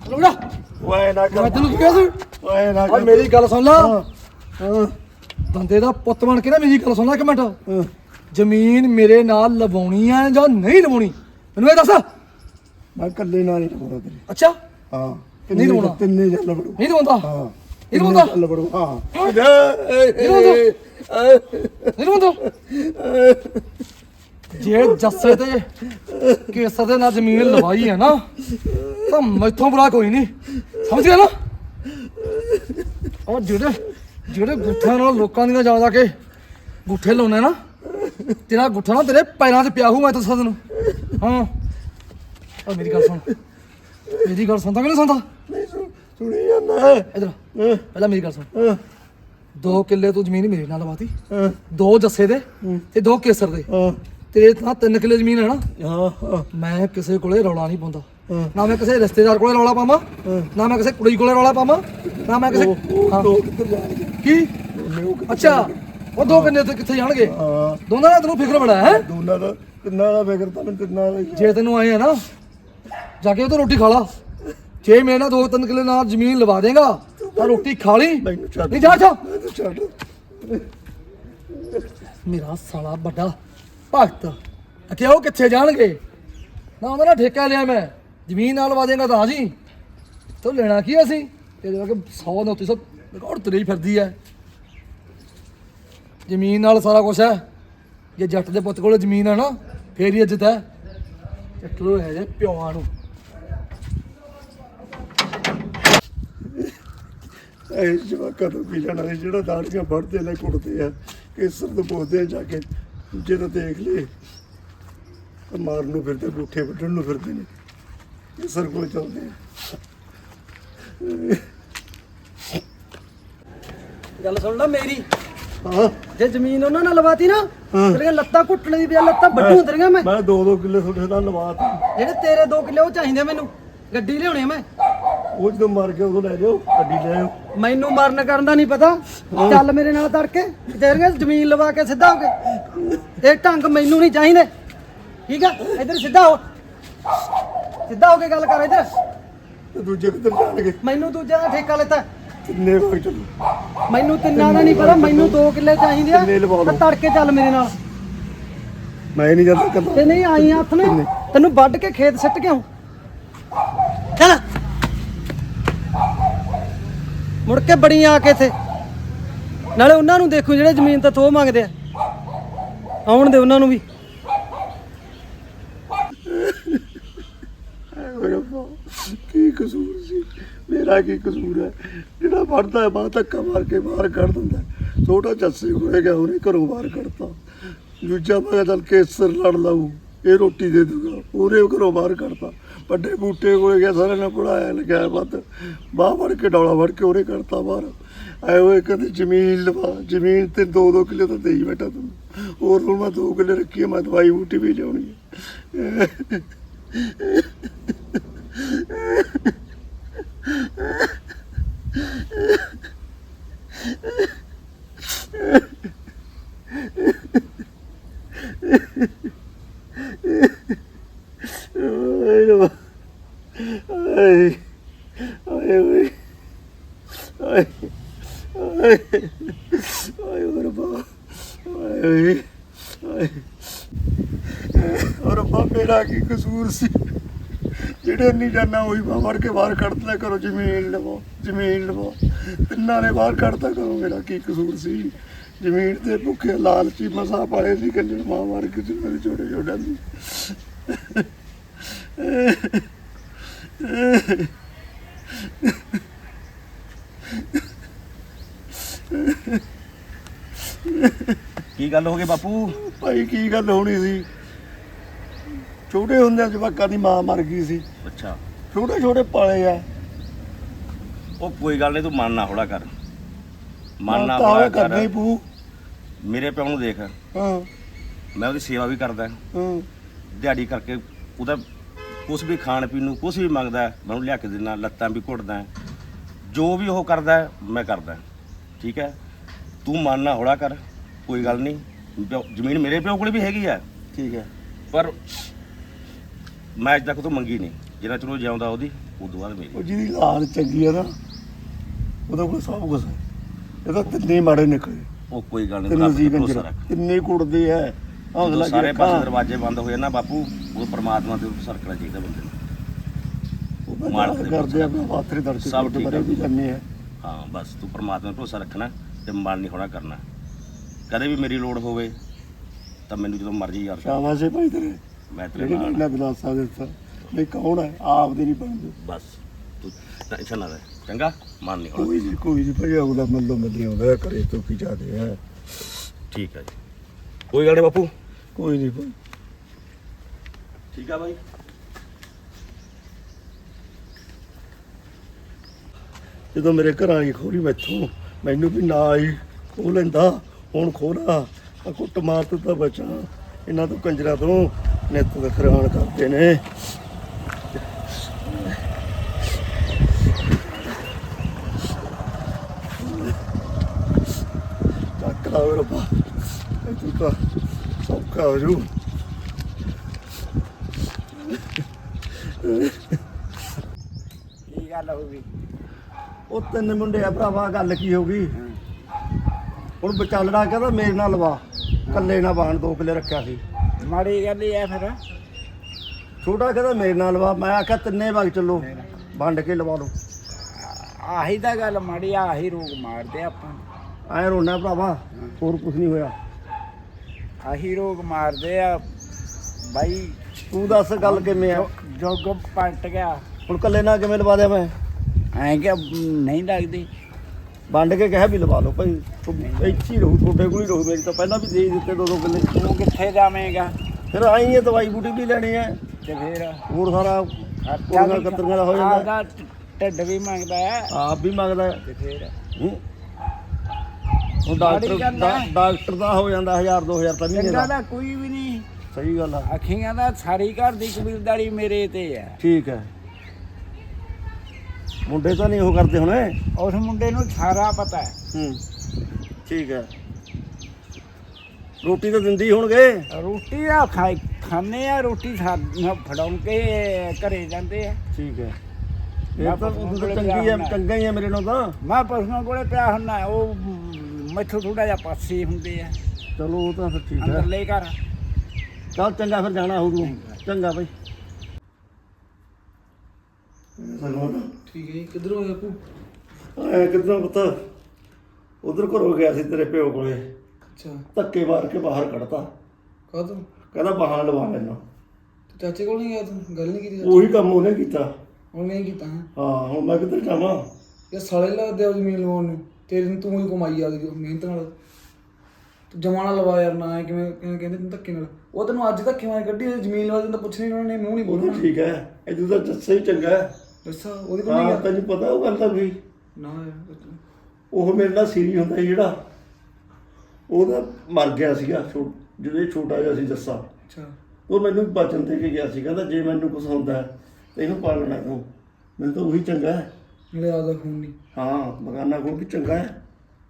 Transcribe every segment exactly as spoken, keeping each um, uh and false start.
ਲੁੜਾ ਓਏ ਨਾ ਮੈਂ ਤੈਨੂੰ ਕੀ ਕਿਹਾ ਸੀ ਓਏ ਨਾ ਆ ਮੇਰੀ ਗੱਲ ਸੁਣ ਲਾ ਹਾਂ ਬੰਦੇ ਦਾ ਪੁੱਤ ਬਣ ਕੇ ਨਾ ਮੇਰੀ ਗੱਲ ਸੁਣ ਲੈ ਇੱਕ ਮਿੰਟ ਜ਼ਮੀਨ ਮੇਰੇ ਨਾਲ ਲਵਾਉਣੀ ਆ ਜਾਂ ਨਹੀਂ ਲਵਾਉਣੀ ਮੈਨੂੰ ਇਹ ਦੱਸ ਮੈਂ ਇਕੱਲੇ ਨਾਲ ਨਹੀਂ ਲਵਾਉਣਾ ਤੇਰੇ ਅੱਛਾ ਹਾਂ ਨਹੀਂ ਲਵਾਉਣਾ ਤਿੰਨੇ ਜਲ ਲਵੜੂ ਨਹੀਂ ਲਵਾਉਂਦਾ ਹਾਂ ਨਹੀਂ ਲਵਾਉਂਦਾ ਲਵੜੂ ਹਾਂ ਨਹੀਂ ਲਵਾਉਂਦਾ ਜੇ ਜੱਸੇ ਤੇ ਕੇਸਰ ਦੇ ਨਾਲ ਜ਼ਮੀਨ ਲਵਾਈ ਹੈ ਨਾ ਤਾਂ ਮੈਥੋਂ ਬੁਰਾ ਕੋਈ ਨਹੀਂ ਸਮਝ ਗਿਆ ਨਾ ਉਹ ਜਿਹੜੇ ਜਿਹੜੇ ਗੁੱਠਿਆਂ ਨਾਲ ਲੋਕਾਂ ਦੀਆਂ ਜਾ ਜਾ ਕੇ ਗੁੱਠੇ ਲਾਉਣੇ ਨਾ ਤੇਰਾ ਗੁੱਠਾ ਨਾ ਤੇਰੇ ਪੈਰਾਂ 'ਚ ਪਿਆ ਹੂ ਮੈਂ ਦੱਸਾਂ ਤੈਨੂੰ ਹਾਂ ਆ ਮੇਰੀ ਗੱਲ ਸੁਣ ਮੇਰੀ ਗੱਲ ਸੁਣਦਾ ਕਿ ਨਹੀਂ ਸੁਣਦਾ ਨਹੀਂ ਸੁਣੀ ਜਾਂਦਾ ਇਧਰ ਪਹਿਲਾਂ ਮੇਰੀ ਗੱਲ ਸੁਣ ਦੋ ਕਿੱਲੇ ਤੂੰ ਜ਼ਮੀਨ ਮੇਰੇ ਨਾਲ ਲਵਾਤੀ ਦੋ ਜੱਸੇ ਦੇ ਤੇ ਦੋ ਕੇਸਰ ਦੇ ਤੇਰੇ ਤਾਂ ਤਿੰਨ ਕਿੱਲੇ ਜ਼ਮੀਨ ਹੈ ਨਾ ਹਾਂ ਮੈਂ ਕਿਸੇ ਕੋਲੇ ਰੌਲਾ ਨਹੀਂ ਪਾਉਂਦਾ ਨਾ ਮੈਂ ਕਿਸੇ ਰਿਸ਼ਤੇਦਾਰ ਕੋਲੇ ਰੌਲਾ ਪਾਵਾਂ ਨਾ ਮੈਂ ਕਿਸੇ ਕੁੜੀ ਕੋਲੇ ਰੌਲਾ ਪਾਵਾਂ ਨਾ ਮੈਂ ਕਿਸੇ ਹਾਂ ਕੀ ਅੱਛਾ ਉਹ ਦੋ ਕਿੰਨੇ ਤੇ ਕਿੱਥੇ ਜਾਣਗੇ ਦੋਨਾਂ ਦਾ ਤੈਨੂੰ ਫਿਕਰ ਬੜਾ ਹੈ ਦੋਨਾਂ ਦਾ ਕਿੰਨਾ ਦਾ ਫਿਕਰ ਤਾਂ ਕਿੰਨਾ ਦਾ ਜੇ ਤੈਨੂੰ ਆਏ ਆ ਨਾ ਜਾ ਕੇ ਉਹ ਤੋਂ ਰੋਟੀ ਖਾ ਲਾ ਜੇ ਮੇਰੇ ਨਾਲ ਦੋ ਤਿੰਨ ਕਿੱਲੇ ਨਾਲ ਜ਼ਮੀਨ ਲਵਾ ਦੇਗਾ ਤਾਂ ਰੋਟੀ ਖਾ ਲਈ ਨਹੀਂ ਜਾ ਜਾ ਛੱਡ ਮੇਰਾ ਸਾਲਾ ਵੱਡਾ ਭਗਤ ਅਕੇ ਉਹ ਕਿੱਥੇ ਜਾਣਗੇ ਨਾ ਉਹਨਾਂ ਦਾ ਠੇਕਾ ਲਿਆ ਮੈਂ ਜ਼ਮੀਨ ਨਾਲ ਲਵਾ ਦੇਗਾ ਤਾਂ ਜੀ ਤੂੰ ਲੈਣਾ ਕੀ ਅਸੀਂ ਇਹਦੇ ਵਰਗੇ ਸੌ ਨੌ ਸੌ ਰਿਕਾਰਡ ਤੁਰੀ ਫਿਰਦੀ ਹੈ ਜ਼ਮੀਨ ਨਾਲ ਸਾਰਾ ਕੁਝ ਹੈ ਜੇ ਜੱਟ ਦੇ ਪੁੱਤ ਕੋਲ ਜ਼ਮੀਨ ਹੈ ਨਾ ਫੇਰ ਹੀ ਇੱਜ਼ਤ ਹੈ ਚੱਟਲੋ ਹੈ ਜੇ ਪਿਓਾਂ ਨੂੰ ਇਹ ਜਵਾਕਾਂ ਤੋਂ ਕੀ ਲੈਣਾ ਜਿਹੜਾ ਦਾੜੀਆਂ ਵੱਢਦੇ ਨੇ ਕੁੱਟਦੇ ਆ ਕੇਸਰ ਤੋਂ ਪੁੱਛਦੇ ਆ ਜਾ ਕੇ ਦੂਜੇ ਤਾਂ ਦੇਖ ਲਏ ਮਾਰਨ ਨੂੰ ਫਿਰਦੇ ਬੂਠੇ ਵੱਢਣ ਨੂੰ ਫਿਰਦੇ ਨੇ ਕੇਸਰ ਕੋਲ ਚੱਲਦੇ ਆ ਗੱਲ ਸੁਣ ਲੈ ਮੇਰੀ ਹਾਂ ਜੇ ਜ਼ਮੀਨ ਉਹਨਾਂ ਨਾਲ ਲਵਾਤੀ ਨਾ ਤੇਰੀਆਂ ਲੱਤਾਂ ਘੁੱਟਣ ਦੀ ਪਿਆ ਲੱਤਾਂ ਵੱਢੂ ਤੇਰੀਆਂ ਮੈਂ ਮੈਂ ਦੋ ਦੋ ਕਿੱਲੇ ਤੁਹਾਡੇ ਨਾਲ ਲਵਾਤਾ ਜਿਹੜੇ ਤੇਰੇ ਦੋ ਕਿੱਲੇ ਉਹ ਚਾਹੀਦੇ ਮੈਨੂੰ ਗੱਡੀ ਲਿਆਉਣੀ ਮੈਂ ਉਹ ਜਦੋਂ ਮਰ ਗਿਆ ਉਦੋਂ ਲੈ ਜਾਓ ਗੱਡੀ ਲੈ ਆਓ ਮੈਨੂੰ ਮਰਨ ਕਰਨ ਦਾ ਨਹੀਂ ਪਤਾ ਚੱਲ ਮੇਰੇ ਨਾਲ ਤੜਕੇ ਤੇਰੀਆਂ ਜ਼ਮੀਨ ਲਵਾ ਕੇ ਸਿੱਧਾ ਹੋ ਕੇ ਇਹ ਢੰਗ ਮੈਨੂੰ ਨਹੀਂ ਚਾਹੀਦੇ ਠੀਕ ਆ ਇੱਧਰ ਸਿੱਧਾ ਹੋ ਸਿੱਧਾ ਹੋ ਕੇ ਗੱਲ ਕਰ ਇੱਧਰ ਤੇ ਦੂਜੇ ਕਿੱਧਰ ਜਾਣਗੇ ਮੈਨੂੰ ਦੂਜਿਆਂ ਦਾ ਠੇਕਾ ਲੈਤਾ ਕਿੰਨੇ ਵਗ ਚੱਲੋ ਮੈਨੂੰ ਤਿੰਨਾਂ ਦਾ ਨਹੀਂ ਪਤਾ ਮੈਨੂੰ ਦੋ ਕਿੱਲੇ ਚਾਹੀਦੇ ਆ ਕਿੰਨੇ ਲਵਾ ਲਓ। ਤਾਂ ਤੜਕੇ ਚੱਲ ਮੇਰੇ ਨਾਲ ਮੈਂ ਨਹੀਂ ਜਾਂਦਾ ਕੱਲਾ ਤੇ ਨਹੀਂ ਆਈ ਹੱਥ ਨੇ ਤੈਨੂੰ ਵੱਢ ਕੇ ਖੇਤ ਸਿੱਟ ਕੇ ਆਉਂ ਚੱਲ ਮੁੜ ਕੇ ਬੜੀ ਆ ਕੇ ਇੱਥੇ ਨਾਲੇ ਉਹਨਾਂ ਨੂੰ ਦੇਖੋ ਜਿਹੜੇ ਜ਼ਮੀਨ ਤਾਂ ਥੋ ਮੰਗਦੇ ਆ ਆਉਣ ਦੇ ਉਹਨਾਂ ਨੂੰ ਵੀ ਕੀ ਕਸੂਰ ਸੀ ਮੇਰਾ ਕੀ ਕਸੂਰ ਹੈ ਜਿਹੜਾ ਵੜਦਾ ਹੈ ਬਾਹ ਧੱਕਾ ਮਾਰ ਕੇ ਬਾਹਰ ਕੱਢ ਦਿੰਦਾ ਛੋਟਾ ਚੱਸੇ ਹੋਏ ਗਿਆ ਉਹਨੇ ਘਰੋਂ ਬਾਹਰ ਕੱਢਤਾ ਦੂਜਾ ਮੈਂ ਚੱਲ ਕੇਸਰ ਲੜ ਲਾਊ ਇਹ ਰੋਟੀ ਦੇ ਦੂਗਾ ਉਹਨੇ ਘਰੋਂ ਬਾਹਰ ਕੱਢਤਾ ਵੱਡੇ ਬੂਟੇ ਕੋਲੇ ਗਿਆ ਸਾਰਿਆਂ ਨੇ ਪੜਾਇਆ ਲਗਾਇਆ ਵੱਧ ਬਾਹ ਵੜ ਕੇ ਡੌਲਾ ਵੜ ਕੇ ਉਹਨੇ ਕੱਢਤਾ ਬਾਹਰ ਆਏ ਹੋਏ ਕਹਿੰਦੇ ਜ਼ਮੀਨ ਲਵਾ ਜ਼ਮੀਨ ਤੇ ਦੋ ਦੋ ਕਿੱਲੇ ਤਾਂ ਦੇਈ ਬੈਠਾ ਤੂੰ ਹੋਰ ਹੁਣ ਮੈਂ ਦੋ ਕਿੱਲੇ ਰੱਖੀ ਮੈਂ ਦਵਾਈ ਬੂਟੀ ਵੀ ਲਿਆਉਣੀ ਹੈ ਆਏ ਆਏ ਆਏ ਆਏ ਰੱਬਾ ਆਏ ਆਏ ਰੱਬਾ ਮੇਰਾ ਕੀ ਕਸੂਰ ਸੀ ਜਿਹੜੇ ਨਹੀਂ ਜਾਣਾ ਉਹੀ ਬਾਹਰ ਵੜ ਕੇ ਬਾਹਰ ਕੱਢਦਾ ਕਰੋ ਜ਼ਮੀਨ ਲਵੋ ਜ਼ਮੀਨ ਲਵੋ ਤਿੰਨਾਂ ਨੇ ਬਾਹਰ ਕੱਢਦਾ ਕਰੋ ਮੇਰਾ ਕੀ ਕਸੂਰ ਸੀ ਜ਼ਮੀਨ ਤੇ ਭੁੱਖੇ ਲਾਲਚੀ ਮਸਾ ਪਾਲੇ ਸੀ ਕੱਲੇ ਮਾਂ ਮਾਰ ਕੇ ਤੇ ਮੇਰੇ ਛੋਟੇ ਛੋਟਿਆਂ ਦੀ ਕੀ ਗੱਲ ਹੋ ਗਈ ਬਾਪੂ ਭਾਈ ਕੀ ਗੱਲ ਹੋਣੀ ਸੀ ਛੋਟੇ ਹੁੰਦਿਆਂ ਜਵਾਕਾਂ ਦੀ ਮਾਂ ਮਰ ਗਈ ਸੀ ਅੱਛਾ ਛੋਟੇ ਛੋਟੇ ਪਾਲੇ ਆ ਉਹ ਕੋਈ ਗੱਲ ਨਹੀਂ ਤੂੰ ਮਨ ਨਾ ਹੌਲਾ ਕਰ ਮਨ ਨਾ ਤਾਂ ਹੌਲਾ ਕਰਨਾ ਹੀ ਕਰ ਪੂ ਮੇਰੇ ਪਿਓ ਨੂੰ ਦੇਖ ਹਾਂ ਮੈਂ ਉਹਦੀ ਸੇਵਾ ਵੀ ਕਰਦਾ ਹਾਂ ਦਿਹਾੜੀ ਕਰਕੇ ਉਹਦਾ ਕੁਛ ਵੀ ਖਾਣ ਪੀਣ ਨੂੰ ਕੁਛ ਵੀ ਮੰਗਦਾ ਮੈਂ ਉਹਨੂੰ ਲਿਆ ਕੇ ਦਿੰਦਾ ਲੱਤਾਂ ਵੀ ਘੁੱਟਦਾ ਜੋ ਵੀ ਉਹ ਕਰਦਾ ਮੈਂ ਕਰਦਾ ਠੀਕ ਹੈ ਤੂੰ ਮਨ ਨਾ ਹੌਲਾ ਕਰ ਕੋਈ ਗੱਲ ਨਹੀਂ ਜ਼ਮੀਨ ਮੇਰੇ ਪਿਓ ਕੋਲ ਵੀ ਹੈਗੀ ਆ ਠੀਕ ਹੈ ਪਰ ਮੈਂ ਅੱਜ ਤੱਕ ਤੋਂ ਮੰਗੀ ਨਹੀਂ ਜਿੰਨਾ ਚਿਰ ਉਹ ਜਿਉਂਦਾ ਉਹਦੀ ਉਦੋਂ ਬਾਅਦ ਮੇਰੀ। ਉਹ ਜਿਹਦੀ ਲਾਲ ਚੰਗੀ ਆ ਨਾ ਉਹਦਾ ਕੋਲ ਸਭ ਕੁਛ ਹੈ। ਇਹ ਤਾਂ ਤਿੰਨੇ ਮਾੜੇ ਨਿਕਲੇ, ਉਹ ਕੋਈ ਗੱਲ ਨਹੀਂ, ਤਿੰਨ ਰੱਬ ਤੇ ਜੀ ਭਰੋਸਾ ਕੰਜਰ ਰੱਖ। ਤਿੰਨੇ ਕੁੜਦੇ ਐ। ਜਦੋਂ ਹੌਸਲਾ ਸਾਰੇ ਰੱਖਾਂ। ਪਾਸੇ ਦਰਵਾਜ਼ੇ ਬੰਦ ਹੋਏ ਨਾ ਬਾਪੂ, ਉਹ ਪਰਮਾਤਮਾ ਦੇ ਉੱਤੇ ਸਰਕਣਾ ਚਾਹੀਦਾ ਬੰਦੇ ਨੂੰ। ਉਹ ਮਾਲਕ ਮਾਰ ਦੇ ਕਰਦੇ ਆਪਣਾ ਪਾਤਰੇ ਦਰਸ਼ਨ ਸਭ ਕਰਦੇ ਠੀਕ ਬਰੇ ਆ। ਵੀ ਕਰਨੇ ਆ। ਹਾਂ ਬਸ ਤੂੰ ਪਰਮਾਤਮਾ 'ਤੇ ਭਰੋਸਾ ਰੱਖਣਾ ਤੇ ਮਨ ਨਹੀਂ ਹੋਣਾ ਕਰਨਾ। ਕਦੇ ਵੀ ਮੇਰੀ ਲੋੜ ਹੋਵੇ ਤਾਂ ਮੈਨੂੰ ਜਦੋਂ ਮਰਜ਼ੀ ਯਾਦ ਕਰ, ਸ਼ਾਬਾਸ਼ ਏ ਭਾਈ ਤੇਰੇ, ਮੈਂ ਤੇਰੇ ਜਿਹੜੇ ਨਾਲ ਇਹਨਾਂ ਦਿਲਾਸਾ ਦਿੱਤਾ ਨਹੀਂ ਕੌਣ ਹੈ ਆਪ ਦੇ ਨਹੀਂ ਬਣਦੇ। ਬਸ ਤੂੰ ਟੈਨਸ਼ਨ ਨਾ ਲੈ, ਚੰਗਾ? ਮਨ ਨਹੀਂ ਹੋਣਾ। ਕੋਈ ਨਹੀਂ ਕੋਈ ਨਹੀਂ ਭਾਈ ਆਉਂਦਾ ਮੱਲੋ ਮੱਲੀ ਆਉਂਦਾ ਕਰੇ ਤੋਂ ਕੀ ਜਾਦੇ ਹੈ। ਠੀਕ ਹੈ ਜੀ, ਕੋਈ ਗੱਲ ਨਹੀਂ ਬਾਪੂ। ਕੋਈ ਨਹੀਂ ਭਾਈ। ਠੀਕ ਆ ਬਾਈ। ਜਦੋਂ ਮੇਰੇ ਘਰ ਆਈ ਖੋਲੀ ਮੈਥੋਂ, ਮੈਨੂੰ ਵੀ ਨਾ ਆਈ ਖੋਹ ਲੈਂਦਾ। ਹੁਣ ਖੋਲਾ ਆ ਕੁੱਟ ਮਾਰ ਤੋਂ ਤਾਂ ਬਚਾ ਇਹਨਾਂ ਤੋਂ ਕੰਜਰਾਂ ਤੋਂ। ਨਿੱਤ ਦਾ ਖਰਾਨ ਕਰਦੇ ਨੇ। ਚੱਕ ਲਾ ਓਏ ਰੱਬਾ, ਇਹ ਤੂੰ ਤਾਂ ਸੌਖਾ ਹੋ ਜੂ। ਕੀ ਗੱਲ ਹੋ ਗਈ? ਉਹ ਤਿੰਨ ਮੁੰਡੇ ਆ ਭਰਾਵਾ, ਗੱਲ ਕੀ ਹੋ ਗਈ? ਹੁਣ ਵਿਚਾਲੜਾ ਕਹਿੰਦਾ ਮੇਰੇ ਨਾਲ ਲਵਾ, ਕੱਲੇ ਨਾ ਬਾਣ ਦੋ ਕਿੱਲੇ ਰੱਖਿਆ ਸੀ। ਮਾੜੀ ਗੱਲ ਹੀ ਐ ਫਿਰ। ਛੋਟਾ ਕਹਿੰਦਾ ਮੇਰੇ ਨਾਲ ਲਵਾ, ਮੈਂ ਆਖਿਆ ਤਿੰਨੇ ਵਗ ਚੱਲੋ ਵੰਡ ਕੇ ਲਵਾ ਲਓ। ਆਹੀ ਤਾਂ ਗੱਲ ਮਾੜੀ ਆ, ਆਹੀ ਰੋਗ ਮਾਰਦੇ ਆਪਾਂ ਨੂੰ। ਐ ਰੋਣਾ ਭਰਾਵਾ, ਹੋਰ ਕੁਝ ਨਹੀਂ ਹੋਇਆ। ਆਹੀ ਰੋਗ ਮਾਰਦੇ ਆ ਬਾਈ। ਤੂੰ ਦੱਸ ਗੱਲ ਕਿਵੇਂ ਆ? ਜੋਗ ਪਲਟ ਗਿਆ। ਹੁਣ ਕੱਲੇ ਨਾਲ ਕਿਵੇਂ ਲਵਾ ਦਿਆਂ ਮੈਂ? ਐਂ ਕਿ ਨਹੀਂ ਲੱਗਦੀ। ਵੰਡ ਕੇ ਕਹਿ ਵੀ ਲਵਾ ਲਓ ਭਾਈ, ਇੱਥੇ ਹੀ ਰਹੂ, ਤੁਹਾਡੇ ਕੋਲ ਹੀ ਰਹੂ। ਮੇਰੀ ਤਾਂ ਪਹਿਲਾਂ ਵੀ ਦੇ ਹੀ ਦਿੱਤੇ ਦੋ ਦੋ ਕਿੱਲੇ। ਤੂੰ ਕਿੱਥੇ ਜਾਵੇਂਗਾ? ਫਿਰ ਆਈ ਹੈ ਦਵਾਈ ਬੂਟੀ ਵੀ ਲੈਣੀ ਹੈ, ਤੇ ਫਿਰ ਹੋਰ ਸਾਰਾ ਕੁੜੀਆਂ ਕਤਰੀਆਂ ਦਾ ਹੋ ਜਾਂਦਾ। ਆਪਦਾ ਢਿੱਡ ਵੀ ਮੰਗਦਾ ਹੈ ਆਪ ਵੀ ਮੰਗਦਾ ਹੈ। ਤੇ ਫਿਰ ਹੂੰ। ਹੁਣ ਡਾਕਟਰ ਮਾੜੀ ਗੱਲ ਦਾ ਹੈ। ਡਾਕਟਰ ਦਾ ਹੋ ਜਾਂਦਾ ਹਜ਼ਾਰ ਦੋ ਹਜ਼ਾਰ ਤਾਂ ਮਹੀਨੇ ਚੰਗਾ ਦਾ। ਦਾ ਕੋਈ ਵੀ ਨਹੀਂ। ਸਹੀ ਗੱਲ ਆ। ਅੱਖੀਆਂ ਦਾ ਸਾਰੀ ਘਰ ਦੀ ਕਬੀਲਦਾਰੀ ਮੇਰੇ ਤੇ ਹੈ। ਠੀਕ ਹੈ, ਮੁੰਡੇ ਤਾਂ ਨਹੀਂ ਉਹ ਕਰਦੇ ਹੁਣ। ਉਸ ਮੁੰਡੇ ਨੂੰ ਸਾਰਾ ਪਤਾ ਹੈ। ਹੂੰ ਠੀਕ ਹੈ। ਰੋਟੀ ਤਾਂ ਦਿੰਦੀ ਹੋਣਗੇ। ਰੋਟੀ ਆ ਖਾਈ ਖਾਂਦੇ ਆ, ਰੋਟੀ ਸਾਨੂੰ ਫੜਾਉਣ ਕੇ ਘਰੇ ਜਾਂਦੇ ਆ। ਠੀਕ ਹੈ, ਮੈਂ ਇਹ ਤਾਂ ਪਸ਼ੂਆਂ ਉਦੋਂ ਕੋਲੇ ਤਾਂ ਪਿਆ ਚੰਗੀ ਹੈ, ਹੁੰਦਾ। ਚੰਗਾ ਹੀ ਹੈ ਮੇਰੇ ਨਾਲ ਤਾਂ। ਮੈਂ ਪਸ਼ੂਆਂ ਕੋਲੇ ਪਿਆ ਹੁੰਨਾ, ਉਹ ਮੈਥੋਂ ਥੋੜਾ ਜਿਹਾ ਪਾਸੇ ਹੁੰਦੇ ਆ ਚਲੋ ਉਹ ਤਾਂ ਫਿਰ ਠੀਕ ਹੈ। ਅੰਦਰਲੇ ਘਰ। ਚੱਲ ਚੰਗਾ, ਫਿਰ ਜਾਣਾ ਹੋਊ। ਚੰਗਾ ਬਾਈ। ਠੀਕ ਹੈ ਜੀ, ਕਿੱਧਰੋਂ ਆਏ ਬਾਪੂ? ਆਇਆ ਕਿੱਦਾਂ ਪਤਾ, ਉਧਰ ਘਰੋਂ ਗਿਆ ਸੀ ਤੇਰੇ ਪਿਓ ਕੋਲੇ, ਅੱਛਾ, ਧੱਕੇ ਮਾਰ ਕੇ ਬਾਹਰ ਕੱਢਤਾ। ਕਾਹਤੋਂ? ਕਹਿੰਦਾ ਬਾਹਰ ਲਵਾ ਲੈਣਾ। ਤੇ ਚਾਚੇ ਕੋਲ ਨਹੀਂ ਗਿਆ ਤੂੰ? ਗੱਲ ਨਹੀਂ ਕੀਤੀ? ਉਹੀ ਕੰਮ ਉਹਨੇ ਕੀਤਾ। ਹੁਣ ਨਹੀਂ ਕੀਤਾ ਹੈ ਹਾਂ, ਹੁਣ ਮੈਂ ਕਿੱਧਰ ਜਾਵਾਂ? ਇਹ ਸਾਲੇ ਲੱਗਦੇ ਆ ਜ਼ਮੀਨ ਲਵਾਉਣ ਨੂੰ। ਤੇਰੇ ਨੂੰ ਤੂੰ ਹੀ ਕਮਾਈ ਆ ਗਈ ਮਿਹਨਤ ਨਾਲ। ਤੂੰ ਜਮਾਨਾ ਲਵਾ ਯਾਰ, ਨਾ ਕਿਵੇਂ ਕਿਵੇਂ ਕਹਿੰਦੇ ਤੈਨੂੰ ਧੱਕੇ ਨਾਲ। ਉਹ ਤੈਨੂੰ ਅੱਜ ਧੱਕੇ ਮਾਰ ਕੱਢੀ, ਜ਼ਮੀਨ ਲਵਾ ਦਿੰਦਾ ਪੁੱਛਣੀ ਉਹਨਾਂ ਨੇ, ਮੂੰਹ ਨਹੀਂ ਉਹ ਬੋਲਣਾ। ਤਾਂ ਠੀਕ ਹੈ, ਇਹਦੂ ਤਾਂ ਜੱਸਾ ਹੀ ਚੰਗਾ ਹੈ। ਦੱਸਾ ਉਹਦੇ ਕੋਲ ਨਹੀਂ ਹਾਂ, ਗਿਆ? ਤੈਨੂੰ ਪਤਾ ਉਹ ਗੱਲ ਤਾਂ ਵੀ ਨਾ ਯਾਰ, ਉਹ ਮੇਰੇ ਨਾਲ ਸੀਰੀ ਹੁੰਦਾ ਸੀ ਜਿਹੜਾ, ਉਹਦਾ ਮਰ ਗਿਆ ਸੀਗਾ ਛੋ- ਜਦੋਂ ਇਹ ਛੋਟਾ ਜਿਹਾ ਸੀ ਜੱਸਾ। ਅੱਛਾ, ਉਹ ਮੈਨੂੰ ਬਚਨ ਦੇ ਕੇ ਗਿਆ ਸੀ, ਕਹਿੰਦਾ ਜੇ ਮੈਨੂੰ ਕੁਝ ਹੁੰਦਾ ਹੈ ਤਾਂ ਇਹਨੂੰ ਪਾਲਣਾ ਤੂੰ। ਮੈਨੂੰ ਤਾਂ ਉਹੀ ਚੰਗਾ ਹੈ। ਨਾਲੇ ਆਦਾ ਖੂਨ ਨਹੀਂ। ਹਾਂ, ਬਗਾਨਾ ਕੋਲ ਵੀ ਚੰਗਾ ਹੈ।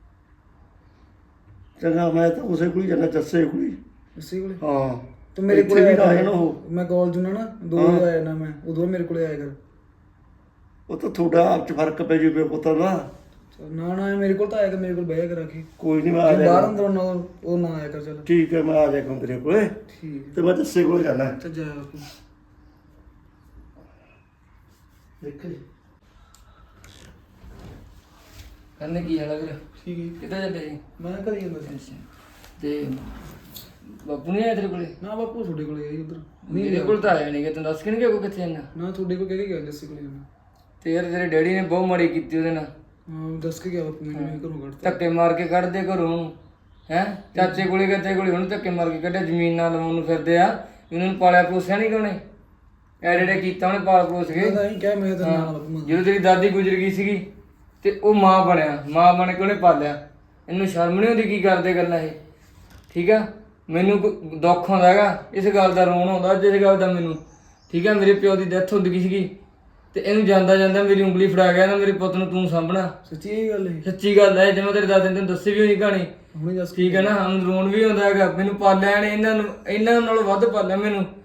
ਚੰਗਾ, ਮੈਂ ਤਾਂ ਉਸੇ ਕੋਲ ਹੀ ਜਾਣਾ, ਜੱਸੇ ਕੋਲ ਹੀ। ਇਸੇ ਕੋਲੇ? ਹਾਂ, ਤੂੰ ਮੇਰੇ ਇੱਥੇ ਕੋਲੇ ਵੀ ਆਇਆ ਨਾ ਆਇਆ ਕਰ। ਨਾ ਉਹ। ਮੈਂ ਕਾਲਜ ਨੂੰ ਨਾ ਦੋ ਹਾਂ। ਵਜੇ ਆਇਆ ਨਾ ਮੈਂ, ਉਦੋਂ ਮੇਰੇ ਕੋਲੇ ਆਇਆ ਕਰ। ਉਹ ਤਾਂ ਤੁਹਾਡਾ ਆਪ ਚ ਫਰਕ ਪੈ ਜੂ ਪਿਓ ਪੁੱਤਾਂ ਦਾ। ਚੱਲ ਨਾ ਨਾ ਮੇਰੇ ਕੋਲ ਤਾਂ ਆਇਆ ਕਰ, ਮੇਰੇ ਕੋਲ ਬਹਿ ਕਰ ਆ ਕੇ। ਕੋਈ ਨਹੀਂ, ਮੈਂ ਆ ਜੇ ਬਾਹਰ ਜਾਏਗਾ। ਅੰਦਰ ਨਾ ਉਹ ਨਾ ਆਇਆ ਕਰ। ਚੱਲ ਠੀਕ ਹੈ, ਮੈਂ ਆ ਜਾਏਗਾ ਤੇਰੇ ਕੋਲੇ, ਠੀਕ ਤੇ ਮੈਂ ਜੱਸੇ ਕੋਲ ਜਾਣਾ। ਹੈ, ਚੱਲ ਜਾਇਆ ਬਾਪੂ। ਦੇਖ ਲਈ ਕਹਿੰਦੇ ਕੀ ਹਾਲ ਹੈ ਵੀਰ? ਠੀਕ ਹੈ, ਕਿੱਥੇ ਚੱਲੇ ਜੀ? ਮੈਂ ਘਰੇ ਜਾਂਦਾ ਸੀ। ਤੇ ਬਾਪੂ ਨਹੀਂ ਆਇਆ ਤੇਰੇ ਕੋਲੇ? ਨਾ ਬਾਪੂ ਤੁਹਾਡੇ ਕੋਲੇ ਆਈ ਉਧਰ। ਮੇਰੇ ਕੋਲ ਤਾਂ ਆਇਆ ਨਹੀਂ ਕਿ ਤੈਨੂੰ ਦੱਸ ਕੇ ਨਹੀਂ ਗਿਆ ਕੋਈ ਕਿੱਥੇ ਜਾਣਾ। ਨਾ ਤੁਹਾਡੇ ਕੋਲ ਕਹਿ ਕੇ ਗਿਆ ਜੱਸੀ ਕੋਲੇ ਜਾਣਾ। ਤੇ ਯਾਰ ਤੇਰੇ ਡੈਡੀ ਨੇ ਬਹੁਤ ਮਾੜੀ ਕੀਤੀ ਉਹਦੇ ਨਾਲ, ਹਾਂ ਦੱਸ ਕੇ ਗਿਆ ਬਾਪੂ ਮੈਨੂੰ, ਮੈਂ ਘਰੋਂ ਕੱਢਤਾ। ਧੱਕੇ ਮਾਰ ਕੇ ਕੱਢਦੇ ਘਰੋਂ ਹੈ। ਚਾਚੇ ਕੋਲੇ ਗਏ, ਚਾਚੇ ਕੋਲੇ ਹੁਣ ਧੱਕੇ ਮਾਰ ਕੇ ਕੱਢਿਆ, ਜ਼ਮੀਨ ਨਾਲ ਲਵਾਉਣ ਨੂੰ ਫਿਰਦੇ ਆ। ਇਹਨਾਂ ਨੂੰ ਪਾਲਿਆ ਪੋਸਿਆ ਨਹੀਂ ਕਿਉਂ? ਐਡੇ ਕੀਤਾ ਉਹਨੇ ਪਾਲ ਪੋਸ ਕੇ। ਮੈਂ ਤਾਂ ਇਹੀ ਕਿਹਾ, ਮੈਂ ਤਾਂ ਨਾਲ ਬਾਪੂ ਮੰਨ। ਜਦੋਂ ਤੇਰੀ ਦਾਦੀ ਗੁਜ਼ਰ ਗਈ ਸੀਗੀ ਤੇ ਉਹ ਮਾਂ ਬਣਿਆ, ਮਾਂ ਬਣ ਕੇ ਉਹਨੇ ਪਾਲਿਆ। ਇਹਨੂੰ ਸ਼ਰਮ ਨਹੀਂ ਆਉਂਦੀ ਕੀ ਕਰਦੇ ਗੱਲਾਂ ਇਹ? ਠੀਕ ਆ, ਮੈਨੂੰ ਕੋਈ ਦੁੱਖ ਆਉਂਦਾ ਹੈਗਾ ਇਸ ਗੱਲ ਦਾ, ਰੋਣ ਆਉਂਦਾ ਅੱਜ ਇਸ ਗੱਲ ਦਾ ਮੈਨੂੰ। ਠੀਕ ਆ, ਮੇਰੇ ਪਿਓ ਦੀ ਡੈਥ ਹੁੰਦੀ ਗਈ ਸੀਗੀ ਤੇ ਇਹਨੂੰ ਜਾਂਦਾ ਜਾਂਦਾ ਮੇਰੀ ਉਂਗਲੀ ਫੜਾ ਗਿਆ ਨਾ, ਮੇਰੇ ਪੁੱਤ ਨੂੰ ਤੂੰ ਸਾਂਭਣਾ। ਸੱਚੀ ਇਹ ਗੱਲ ਹੈ? ਸੱਚੀ ਗੱਲ ਹੈ, ਜਿਵੇਂ ਤੇਰੇ ਦਾਦੇ ਨੇ ਤੈਨੂੰ ਦੱਸੀ ਵੀ ਹੋਣੀ ਕਹਾਣੀ। ਹੁਣੇ ਦੱਸ। ਠੀਕ ਹੈ ਨਾ, ਹੁਣ ਰੋਣ ਵੀ ਆਉਂਦਾ ਹੈਗਾ। ਮੈਨੂੰ ਪਾਲਿਆ ਨੇ ਇਹਨਾਂ ਨੂੰ, ਇਹਨਾਂ ਨਾਲੋਂ ਵੱਧ ਪਾਲਿਆ ਮੈਨੂੰ।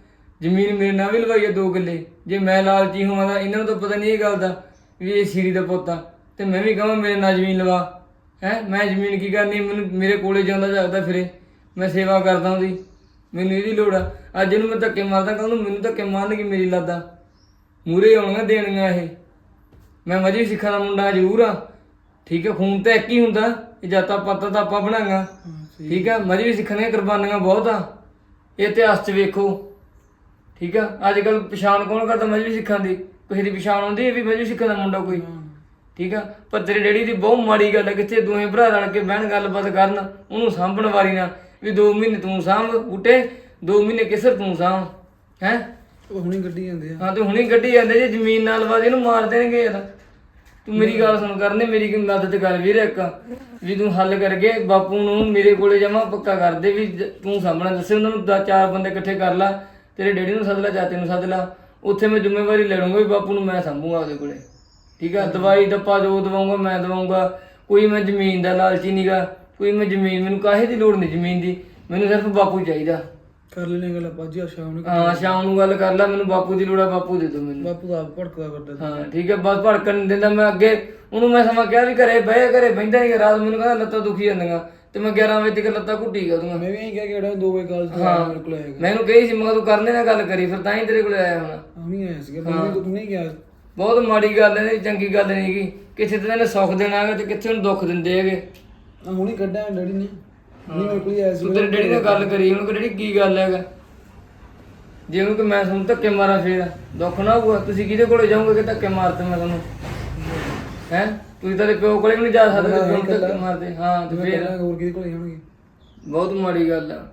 ਜ਼ਮੀਨ ਮੇਰੇ ਨਾਲ ਵੀ ਲਵਾਈ ਆ ਦੋ ਕਿੱਲੇ। ਜੇ ਮੈਂ ਲਾਲਚੀ ਹੋਵਾਂ ਤਾਂ ਇਹਨਾਂ ਨੂੰ ਤਾਂ ਪਤਾ ਨਹੀਂ ਇਹ ਗੱਲ ਦਾ ਵੀ ਇਹ ਸ਼ੀਰੀ ਦਾ ਪੁੱਤ ਆ, ਤੇ ਮੈਂ ਵੀ ਕਹਾਂ ਮੇਰੇ ਨਾਲ ਜ਼ਮੀਨ ਲਵਾ। ਹੈ ਮੈਂ ਜ਼ਮੀਨ ਕੀ ਕਰਨੀ, ਮੈਨੂੰ ਮੇਰੇ ਕੋਲੇ ਜਾਂਦਾ ਜਾਗਦਾ ਫਿਰੇ, ਮੈਂ ਸੇਵਾ ਕਰਦਾ ਉਹਦੀ, ਮੈਨੂੰ ਇਹਦੀ ਲੋੜ ਆ। ਅੱਜ ਇਹਨੂੰ ਮੈਂ ਧੱਕੇ ਮਾਰਦਾ, ਕੱਲ੍ਹ ਨੂੰ ਮੈਨੂੰ ਧੱਕੇ ਮਾਰਨਗੀ ਮੇਰੀ ਲਾਦਾ, ਮੂਹਰੇ ਆਉਣੀਆਂ ਦੇਣੀਆਂ ਇਹ। ਮੈਂ ਮਜੇ ਸਿੱਖਾਂ ਦਾ ਮੁੰਡਾ ਜ਼ਰੂਰ ਆ, ਠੀਕ ਹੈ, ਖੂਨ ਤਾਂ ਇੱਕ ਹੀ ਹੁੰਦਾ, ਇਹ ਜਾਤਾਂ ਪਾਤਾਂ ਤਾਂ ਆਪਾਂ ਬਣਾਂਗਾ, ਠੀਕ ਆ। ਮਜੇ ਵੀ ਸਿੱਖਣ ਦੀਆਂ ਕੁਰਬਾਨੀਆਂ ਬਹੁਤ ਆ, ਇਹ ਇਤਿਹਾਸ 'ਚ ਵੇਖੋ, ਠੀਕ ਆ। ਅੱਜ ਕੱਲ੍ਹ ਪਛਾਣ ਕੌਣ ਕਰਦਾ ਮਜੇ ਸਿੱਖਾਂ ਦੀ? ਕਿਸੇ ਦੀ ਪਛਾਣ ਹੁੰਦੀ ਹੈ ਵੀ ਮਜੇ ਸਿੱਖਾਂ ਦਾ ਮੁੰਡਾ ਕੋਈ, ਠੀਕ ਆ। ਪਰ ਤੇਰੇ ਡੈਡੀ ਦੀ ਬਹੁਤ ਮਾੜੀ ਗੱਲ ਹੈ, ਕਿੱਥੇ ਦੋਵੇਂ ਭਰਾ ਰਲ ਕੇ ਬਹਿਣ ਗੱਲਬਾਤ ਕਰਨ, ਉਹਨੂੰ ਸਾਂਭਣ ਵਾਰੀ ਨਾ ਵੀ ਦੋ ਮਹੀਨੇ ਤੂੰ ਸਾਂਭ ਬੂਟੇ, ਦੋ ਮਹੀਨੇ ਕਿਸਰ ਤੂੰ ਸਾਂਭ, ਹੈ ਹੁਣੀ ਗੱਡੀ ਜਾਂਦੇ ਆ। ਹਾਂ ਤੇ ਹੁਣੀ ਗੱਡੀ ਜਾਂਦੇ, ਜੇ ਜ਼ਮੀਨ ਨਾਲ ਬਾਦ ਇਹਨੂੰ ਮਾਰ ਦੇਣਗੇ ਯਾਰ। ਤੂੰ ਮੇਰੀ ਗੱਲ ਸੁਣ, ਕਰਨੇ ਮੇਰੀ ਕੀ ਮਦਦ ਕਰ ਵੀਰ ਇੱਕ, ਵੀ ਤੂੰ ਹੱਲ ਕਰਕੇ ਬਾਪੂ ਨੂੰ ਮੇਰੇ ਕੋਲੇ ਜਮਾ ਪੱਕਾ ਕਰ ਦੇ ਵੀ ਜ- ਤੂੰ ਸਾਂਭਣਾ। ਦੱਸੇ ਉਹਨਾਂ ਨੂੰ ਦਾ ਚਾਰ ਬੰਦੇ ਇਕੱਠੇ ਕਰ ਲਾ, ਤੇਰੇ ਡੈਡੀ ਨੂੰ ਸੱਦ ਲਾ, ਚਾਚੇ ਨੂੰ ਸੱਦ ਲਾ, ਉੱਥੇ ਮੈਂ ਜ਼ਿੰਮੇਵਾਰੀ ਲੈ ਲੂੰਗਾ ਵੀ ਬਾਪੂ ਨੂੰ ਮੈਂ ਸਾਂਭੂਗਾ ਉਹਦੇ ਕੋਲੇ, ਠੀਕ ਆ। ਦਵਾਈ ਦੱਪਾ ਜੋ ਦਵਾਉਂਗਾ ਮੈਂ ਦਵਾਉਂਗਾ, ਕੋਈ ਮੈਂ ਜ਼ਮੀਨ ਦਾ ਲਾਲਚੀ ਨੀਗਾ, ਕੋਈ ਮੈਂ ਜ਼ਮੀਨ, ਮੈਨੂੰ ਕਾਹੇ ਦੀ ਲੋੜ ਨਹੀਂ ਜ਼ਮੀਨ ਦੀ, ਮੈਨੂੰ ਸਿਰਫ ਬਾਪੂ ਚਾਹੀਦਾ। ਕਰ ਲੈਣੇ ਗੱਲ ਆਪਾਂ ਜੀ ਸ਼ਾਮ ਨੂੰ। ਹਾਂ ਸ਼ਾਮ ਨੂੰ ਗੱਲ ਕਰ ਲੈ, ਮੈਨੂੰ ਬਾਪੂ ਦੀ ਲੋੜ ਆ, ਬਾਪੂ ਦੇ ਦਿਓ ਮੈਨੂੰ। ਬਾਪੂ ਦਾ ਆਪ ਭੜਕਦਾ ਕਰਦਾ। ਹਾਂ ਠੀਕ ਹੈ, ਬਸ ਭੜਕਣ ਨਹੀਂ ਦਿੰਦਾ ਮੈਂ। ਅੱਗੇ ਉਹਨੂੰ ਮੈਂ ਸਮਾਂ ਕਿਹਾ ਵੀ ਘਰੇ ਬਹਿ, ਘਰੇ ਬਹਿੰਦਾ ਨਹੀਂ, ਰਾਤ ਮੈਨੂੰ ਕਹਿੰਦਾ ਲੱਤਾਂ ਦੁਖੀ ਜਾਂਦੀਆਂ, ਤੇ ਮੈਂ ਗਿਆਰਾਂ ਵਜੇ ਤੱਕ ਲੱਤਾਂ ਘੁੱਟੀ ਗਿਆ ਉਹਦੀਆਂ। ਮੈਂ ਵੀ ਇਹੀ ਕਹਿ ਕੇ ਜਿਹੜਾ ਦੋ ਵਜੇ ਕਾਲ ਤੋਂ ਹਾਂ ਮੇਰੇ ਕੋਲ ਆਏਗਾ। ਮੈਂ ਇਹਨੂੰ ਕਹੀ ਸੀ, ਮੈਂ ਕਿਹਾ ਤੂੰ ਕਰਨੇ ਨਾਲ ਗੱਲ ਕਰੀ, ਫਿਰ ਤਾਂ ਹੀ ਤੇਰੇ ਕੋਲ ਆਇਆ ਹੁਣ। ਹੁਣੀ ਆਇਆ ਸੀਗਾ, ਬੰਦੇ ਤੂੰ ਨਹੀਂ ਗਿਆ। ਬਹੁਤ ਮਾੜੀ ਗੱਲ ਹੈ, ਚੰਗੀ ਗੱਲ ਨਹੀਂ ਗੀ। ਕਿਸੇ ਤੇ ਇਹਨੇ ਸੁੱਖ ਦੇਣਾ ਹੈਗਾ ਤੇ ਕਿੱਥੇ ਨੂੰ ਦੁੱਖ ਦਿੰਦੇ ਹੈਗੇ। ਆ ਹੁਣੀ ਕੱਢਿਆ ਡੈਡੀ ਨੇ, ਹੁਣੀ ਮੇਰੇ ਕੋਲ ਹੀ ਆਇਆ ਸੀ। ਤੂੰ ਤੇਰੇ ਡੈਡੀ ਨਾਲ ਗੱਲ ਕਰੀ, ਉਹਨੂੰ ਕਿ ਡੈਡੀ ਕੀ ਗੱਲ ਹੈਗਾ, ਜੇ ਉਹਨੂੰ ਕਿ ਮੈਂ ਤੁਹਾਨੂੰ ਧੱਕੇ ਮਾਰਾਂ ਫੇਰ ਦੁੱਖ ਨਾ ਹੋਊਗਾ। ਤੁਸੀਂ ਕਿਹਦੇ ਕੋਲੇ ਜਾਓਗੇ ਕਿ ਧੱਕੇ ਮਾਰਦੇ ਮੈਂ ਤੁਹਾਨੂੰ? ਹੈ ਤੁਸੀਂ ਤਾਂ ਪਿਓ ਕੋਲੇ ਵੀ ਨਹੀਂ ਜਾ ਸਕਦੇ, ਪਿਓ ਨੂੰ ਧੱਕੇ ਮਾਰਦੇ। ਹਾਂ ਤੇ ਫੇਰ ਹੋਰ ਕਿਹਦੇ ਕੋਲ ਜਾਣਗੇ? ਬਹੁਤ ਮਾੜੀ ਗੱਲ ਆ।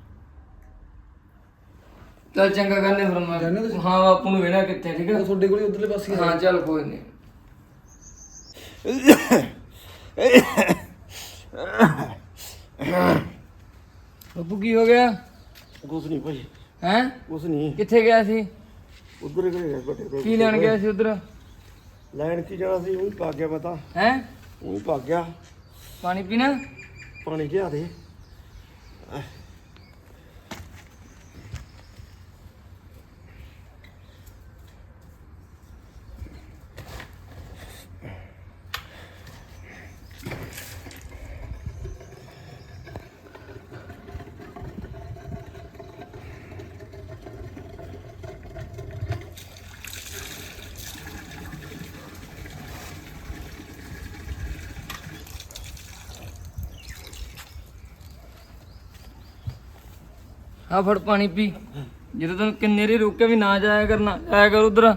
ਚੱਲ ਚੰਗਾ ਕਰਨੇ ਫਿਰ ਮੈਂ। ਹਾਂ ਬਾਪੂ ਨੂੰ ਵੇਣਾ ਕਿੱਥੇ, ਠੀਕ ਹੈ। ਉਹ ਤੁਹਾਡੇ ਕੋਲ ਹੀ ਉਧਰਲੇ ਪਾਸੇ। ਹਾਂ ਚੱਲ ਕੋਈ ਨਹੀਂ। ਬਾਪੂ ਕੀ ਹੋ ਗਿਆ? ਕੁਛ ਨਹੀਂ ਭਾਈ, ਹੈ ਕੁਛ ਨਹੀਂ। ਕਿੱਥੇ ਗਿਆ ਸੀ? ਉਧਰ ਗਏ ਵੱਡੇ ਕੋਲ। ਕੀ ਲੈਣ ਗਿਆ ਸੀ ਉਧਰ? ਲੈਣ ਕੀ ਜਾਣਾ ਸੀ, ਉਹ ਹੀ ਭੱਗ ਗਿਆ ਪਤਾ, ਹੈ ਉਹ ਹੀ ਭੱਗ ਗਿਆ। ਪਾਣੀ ਪੀਣਾ? ਪਾਣੀ ਲਿਆ ਦੇ। ਆ ਫੜ ਪਾਣੀ ਪੀ। ਜਦੋਂ ਤੈਨੂੰ ਕਿੰਨੇ ਰੇ ਰੋਕਿਆ ਵੀ ਨਾ ਜਾਇਆ ਕਰਨਾ, ਆਇਆ ਕਰ ਉਧਰ,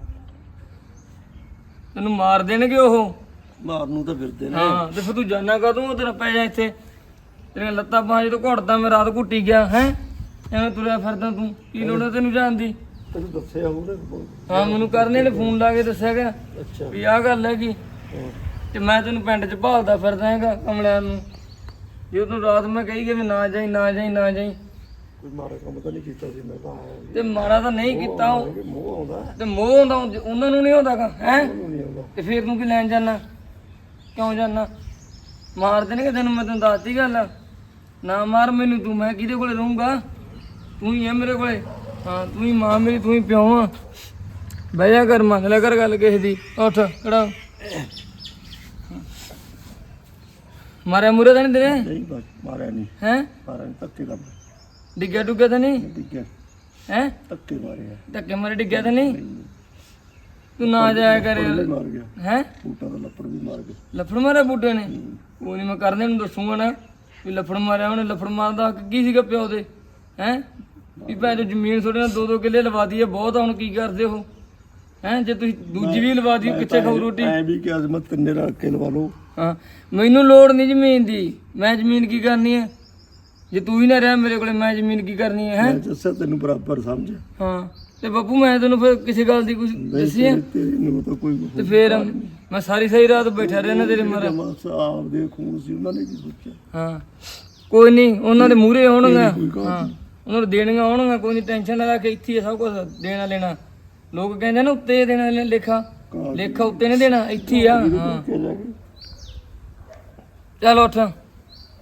ਤੈਨੂੰ ਮਾਰ ਦੇਣਗੇ ਉਹ। ਮਾਰਨ ਨੂੰ ਤਾਂ ਫਿਰਦੇ ਨੇ। ਹਾਂ ਤੇ ਫਿਰ ਤੂੰ ਜਾਣਾ ਕਦੋਂ? ਉਧਰ ਪੈ ਜਾ ਇੱਥੇ, ਤੇਰੀਆਂ ਲੱਤਾਂ ਬਾਹਾਂ ਜਦੋਂ ਘੁੱਟਦਾ ਮੈਂ ਰਾਤ ਘੁੱਟੀ ਗਿਆ। ਹੈ ਐਵੇਂ ਤੁਰਿਆ ਫਿਰਦਾ ਤੂੰ, ਕੀ ਲੋੜ ਹੈ ਤੈਨੂੰ ਜਾਣ ਦੀ? ਤੈਨੂੰ ਦੱਸਿਆ ਉਹਨੇ। ਹਾਂ ਮੈਨੂੰ ਕਰਨੇ ਨੇ ਫੋਨ ਲਾ ਕੇ ਦੱਸਿਆ ਗਿਆ ਅੱਛਾ ਵੀ ਆਹ ਗੱਲ ਹੈਗੀ, ਤੇ ਮੈਂ ਤੈਨੂੰ ਪਿੰਡ 'ਚ ਭਾਲਦਾ ਫਿਰਦਾ ਹੈਗਾ ਕਮਲਿਆਂ ਨੂੰ। ਜੇ ਤੂੰ ਰਾਤ ਮੈਂ ਕਹੀ ਗਿਆ ਵੀ ਨਾ ਜਾਈ ਨਾ ਜਾਈ ਨਾ ਜਾਈ, ਕੋਈ ਮਾੜਾ ਕੰਮ ਤਾਂ ਨਹੀਂ ਕੀਤਾ ਸੀ ਮੈਂ ਤਾਂ ਆਇਆ ਤੇ ਮਾੜਾ ਤਾਂ ਨਹੀਂ ਕੀਤਾ ਉਹ, ਸੀ। ਮੋਹ ਆਉਂਦਾ ਤੇ ਮੋਹ ਆਉਂਦਾ ਉਹਨਾਂ ਨੂੰ ਨਹੀਂ ਆਉਂਦਾਗਾ। ਹੈ ਉਹਨੂੰ ਨਹੀਂ ਆਉਂਦਾ। ਤੇ ਫੇਰ ਤੂੰ ਕੀ ਲੈਣ ਜਾਣਾ? ਕਿਉਂ ਜਾਣਾ? ਮਾਰ ਦੇਣਗੇ ਤੈਨੂੰ, ਮੈਂ ਤੈਨੂੰ ਦੱਸਦੀ ਗੱਲ। ਨਾ ਮਾਰ ਮੈਨੂੰ ਤੂੰ, ਮੈਂ ਕਿਹਦੇ ਕੋਲੇ ਰਹੂੰਗਾ? ਤੂੰ ਹੀ ਹੈ ਮੇਰੇ ਕੋਲੇ। ਹਾਂ ਤੂੰ ਹੀ ਮਾਂ ਮੇਰੀ, ਤੂੰ ਹੀ ਪਿਓ ਆ। ਬਹਿ ਜਾ ਕਰ, ਮੰਨ ਲਿਆ ਕਰ ਗੱਲ ਕਿਸੇ ਦੀ। ਉੱਠ ਖੜਾ। ਮਾਰਿਆ ਮੂਰੇ ਤਾਂ ਨਹੀਂ ਤੇਰੇ? ਨਹੀਂ ਬਸ ਮਾਰਿਆ ਨਹੀਂ, ਹੈ ਮਾਰਿਆ ਨਹੀਂ, ਧੱਕੇ ਦਾ ਡਿੱਗਿਆ ਡੁੱਗਿਆ ਤਾਂ ਨਹੀਂ? ਡਿੱਗਿਆ, ਹੈ ਧੱਕੇ ਮਾਰਿਆ। ਧੱਕੇ ਮਾਰੇ ਡਿੱਗਿਆ ਤਾਂ ਨਹੀਂ? ਤੂੰ ਨਾ ਜਾਇਆ ਕਰ ਵੀ ਯਾਰ। ਮਾਰ ਗਿਆ, ਹੈ ਬੂਟਾ ਦਾ ਲੱਪੜ ਵੀ ਮਾਰ ਗਿਆ। ਲਫੜ ਮਾਰਿਆ ਬੂਟੇ ਨੇ? ਉਹ ਨਹੀਂ ਮੈਂ ਕਰਨੇ ਨੂੰ ਦੱਸੂਗਾ ਨਾ ਵੀ ਲਫੜ ਮਾਰਿਆ ਉਹਨੇ। ਲਫੜ ਮਾਰਦਾ ਹੱਕ ਕੀ ਸੀਗਾ ਪਿਓ ਦੇ? ਹੈ ਵੀ ਭੈਣ ਜੋ ਜ਼ਮੀਨ ਤੁਹਾਡੇ ਨਾਲ ਦੋ ਦੋ ਕਿੱਲੇ ਲਵਾ ਦਈਏ ਬਹੁਤ ਆ, ਹੁਣ ਕੀ ਕਰਦੇ ਹੋ? ਹੈ ਜੇ ਤੁਸੀਂ ਦੂਜੀ ਵੀ ਲਵਾ ਦਈਏ ਕਿੱਥੇ ਖਾਊ ਰੋਟੀ? ਐ ਵੀ ਕਿ ਅੱਜ ਮੈਂ ਤਿੰਨੇ ਰਲ ਕੇ ਲਵਾ ਲਓ। ਹਾਂ ਮੈਨੂੰ ਲੋੜ ਨਹੀਂ ਜ਼ਮੀਨ ਦੀ, ਮੈਂ ਜ਼ਮੀਨ ਕੀ ਕਰਨੀ ਹੈ? ਜੇ ਤੂੰ ਹੀ ਨਾ ਰਿਹਾ ਮੇਰੇ ਕੋਲੇ, ਮੈਂ ਜ਼ਮੀਨ ਕੀ ਕਰਨੀ ਹੈ? ਮੈਂ ਹੈਂ? ਦੱਸਿਆ ਤੈਨੂੰ ਬਰਾਬਰ ਸਮਝ। ਹਾਂ ਤੇ ਬੱਬੂ ਮੈਂ ਤੈਨੂੰ ਫਿਰ ਕਿਸੇ ਗੱਲ ਦੀ ਕੁਝ ਦੱਸੀ ਹੈ? ਤੈਨੂੰ ਤਾਂ ਕੋਈ ਤੇ ਫੇਰ ਮੈਂ ਸਾਰੀ ਸਾਰੀ ਰਾਤ ਬੈਠਾ ਰਿਹਾ ਨਾ ਤੇਰੇ ਮਾਰੇ। ਬਸ ਆਪਦੇ ਖੂਨ ਸੀ, ਉਹਨਾਂ ਨੇ ਕੀ ਸੋਚਿਆ। ਹਾਂ ਕੋਈ ਨਹੀਂ, ਉਹਨਾਂ ਦੇ ਮੂਹਰੇ ਹੋਣਗਾ। ਕੋਈ ਗੱਲ ਹਾਂ ਉਹਨਾਂ ਨੂੰ ਦੇਣੀਆਂ ਹੋਣਗੀਆਂ, ਕੋਈ ਨਹੀਂ ਟੈਨਸ਼ਨ ਨਾ ਲੈ ਕੇ। ਇੱਥੇ ਹੀ ਆ ਸਭ ਕੁਝ ਦੇਣਾ ਲੈਣਾ। ਲੋਕ ਕਹਿੰਦੇ ਨਾ ਉੱਤੇ ਦੇਣਾ ਲੈਣਾ, ਲੇਖਾ ਲੇਖਾ ਉੱਤੇ ਨਹੀਂ ਦੇਣਾ, ਇੱਥੇ ਹੀ ਆ। ਹਾਂ ਕਿ ਜਾ ਕੇ ਚੱਲ ਉੱਠ,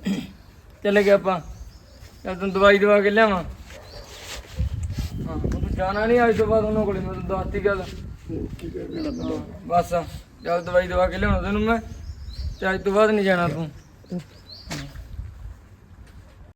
ਚੱਲੇ ਗਏ ਆਪਾਂ। ਚੱਲ ਤੈਨੂੰ ਦਵਾਈ ਦਵਾ ਕੇ ਲਿਆਵਾਂ। ਹਾਂ ਜਾਣਾ ਨਹੀਂ ਅੱਜ ਤੋਂ ਬਾਅਦ ਉਹਨਾਂ ਕੋਲੇ, ਮੈਂ ਤੈਨੂੰ ਦੱਸਤੀ ਗੱਲ। ਕੀ ਕਹਿਣਾ ਹਾਂ, ਬਸ ਚੱਲ ਦਵਾਈ ਦਵਾ ਕੇ ਲਿਆਉਣਾ ਤੈਨੂੰ ਮੈਂ, ਤੇ ਅੱਜ ਤੋਂ ਬਾਅਦ ਨਹੀਂ ਜਾਣਾ ਤੂੰ।